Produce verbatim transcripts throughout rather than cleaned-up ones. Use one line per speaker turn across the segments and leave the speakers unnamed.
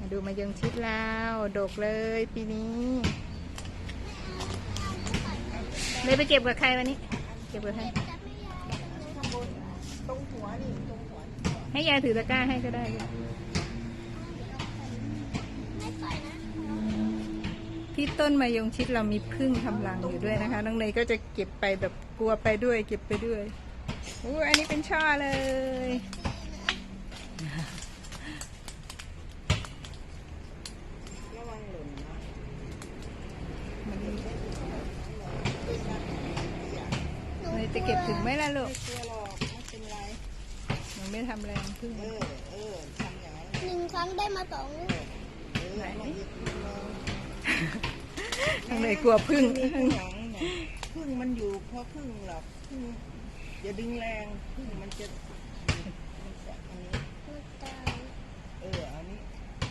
มาดูมายงชิดแล้วดกเลยปีนี้เลยไปเก็บกับใครวันนี้เก็บกับใคร
ตรงหัวนี่ตรงหัว
ให้ยายถือตะกร้าให้ก็ได้ที่ต้นมายงชิดเรามีผึ้งทำรังอยู่ด้วยนะคะน้องเนยก็จะเก็บไปแบบกลัวไปด้วยเก็บไปด้วยโอ้อันนี้เป็นช่อเลย
ระวังหล่นนะ
เนยจะเก็บถึงไหมล่ะลูก
ไม่กลัวหรอกไม่เป็นไร
หนูไม่ทำแรงผึ้ง
เออเออทำอย่างนั้น
หนึ่งครั้งได้มาสองลูก
ไหน
น้องเนยกลัวผึ้ง
พึ่งหลังพึ่งมันอยู่เพราะพึ่งหรอกพึ่งอย่าดึงแรงพึ่งมันจะมันจะอันนี้เอออันนี้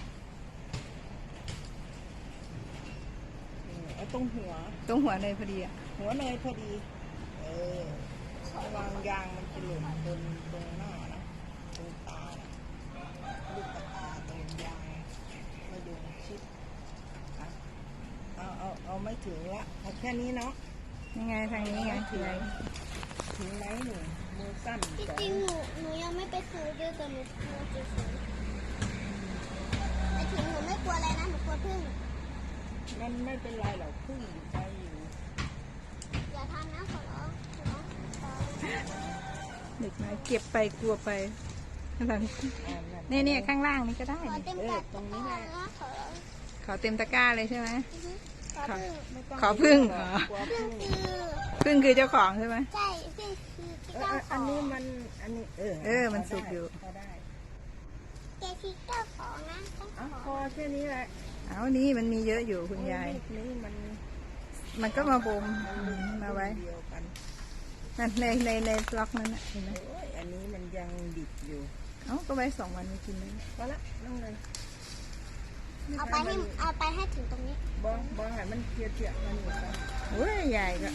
เอาตรงหัว
ตรงหัวเนยพอดีอ่ะ
หัวเนยพอดีเออระวังยางมันจะหล่นตรงตรงหน้านะตรงตาลูกตาตรงยางมาดูชิดเอาเอาเอาไม่ถึงละเอาแค่นี้เนาะ
ยังไงทางนี้ไงถึง
ถึงไหมหนูมือสั้น
จริงๆหนูหนูยังไม่ไปซื้อด้วยแต่หนูกลัวจะซื้อแต่ถึงหนูไม่กลัวอะไรนะหนูกลัวพึ่ง
มันไม่เป็นไรหรอกพึ่งอยู่ใจอยู่
อย่าทำนะขอร้องขอร้อง
เด็กนะเก็บไปกลัวไปนี่นี่ข้างล่างนี่ก็ได้
ขอเต็มตะกร้านะขอร้อง
ขอเต็มตะกร้าเลยใช่ไหม
ขอพึ่ง
ขอพึ่งเหรอ
พึ่งคือ
พึ่งคือเจ้าของใช่ไหม
ใช่พึ่งคือเจ้าของ
อันนี้มันอันนี้เออ
เออมันสุกอยู่
แกคือเจ้าของนะ
พอแค่นี้แหละ
เอานี่มันมีเยอะอยู่คุณยาย
นี่มัน
มันก็มาบ่มมาไว้นั่นในในในล็อกนั้นน่ะเห็นไหม
อันนี้มันยังดิบอยู่
เอ้าก็ไว้สองวันไม่กินเลย
พอละนั่งเลย
เอาไปให้เอาไปให้ถึงตรงนี้
บองบองให้มันเจียเจียมันอยู่กัน
โอ้ยใหญ่ก็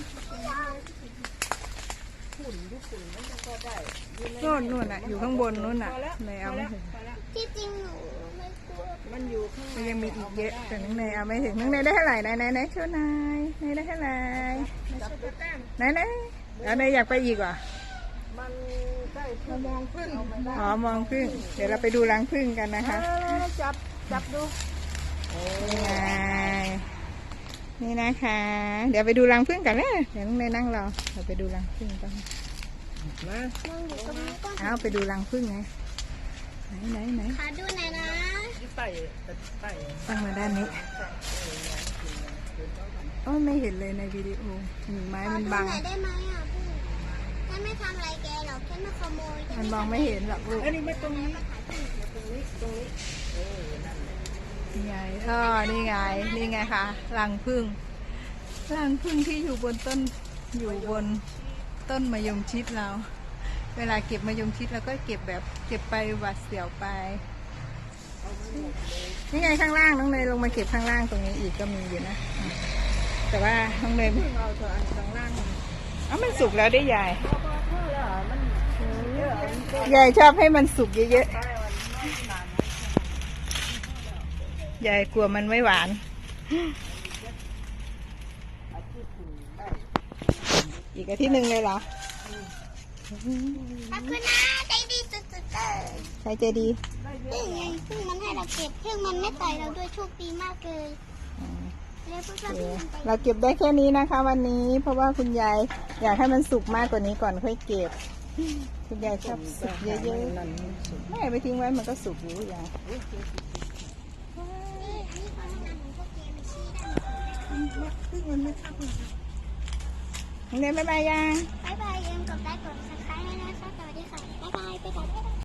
ฝุ่นยุฝุ่นมันก็ได้
โน่นนู่นอ่ะอยู่ข้างบนนู่นอ่ะในเอาไม่ถึง
ที่จริงหนูไม่กลัว
มันอยู่ข้าง
ในยังมีอีกเยอะแต่น้องในเอาไม่ถึงน้องในได้เท่าไหร่ไหนไหนไหนช่วยนายในได้เท่าไหร่ไหนไหนเอาในอยากไปอีกว่ะ
มันได้พอมองพึ่ง
อ๋อมองพึ่งเดี๋ยวเราไปดูรังพึ่งกันนะคะ
จับจับดู
นี่ไงนี่นะคะเดี๋ยวไปดูรังผึ้งกันนะเดี๋ยวน้องเนยนั่งรอเราไปดูรังผึ้งกัน
มา
เอาไปดูรังผึ้งไงไหนไหนไหน
ขอดูหน่อยนะ
ไต่ไต่
ตั้งมาด้านนี้โอ้ไม่เห็นเลยในวิดีโอไม้มันบัง
ได้ไหมอ่ะพี่ฉันไม่ทำอะไรแกหรอกฉันไม่ขโมย
มันมองไม่เห็นหรอกลูก
อันนี้ไม่ตรงนี้ตรงนี้ตรงนี้เออนั่น
นี่ไงเออนี่ไงนี่ไงคะรังผึ้งรังผึ้งที่อยู่บนต้นอยู่บนต้นมะยงชิดเราเวลาเก็บมะยงชิดเราก็เก็บแบบเก็บไปหวาดเสียวไปนี่ไงข้างล่างน้องเนยลงมาเก็บข้างล่างตรงนี้อีกก็มีอยู่นะแต่ว่าน้องเนย
เอาเถอะอันข้างล่าง
อ้าวมันสุกแล้วได้ยายยายชอบให้มันสุกเยอะๆยายกลัวมันไม่หวานอีกอาทิตย์หนึ่งเลยเหรอ
ขอบคุณนะใจดีสุดๆเลย
ใครใจดี
พึ่งไงพึ่งมันให้เราเก็บพึ่งมันไม่ต่อยเราด้วยโชคดีมากเลย
เราเก็บได้แค่นี้นะคะวันนี้เพราะว่าคุณยายอยากให้มันสุกมากกว่านี้ก่อนค่อยเก็บคุณยายชอบสุกเยอะๆไม่ไปทิ้งไว้มันก็สุกอยู่ยายเรียนบ๊ายบายยัง
บ๊ายบายยังกดไลค์กดซับสไครต์ให้นะคะสวัสดีค่ะบ๊ายบายไปก่อน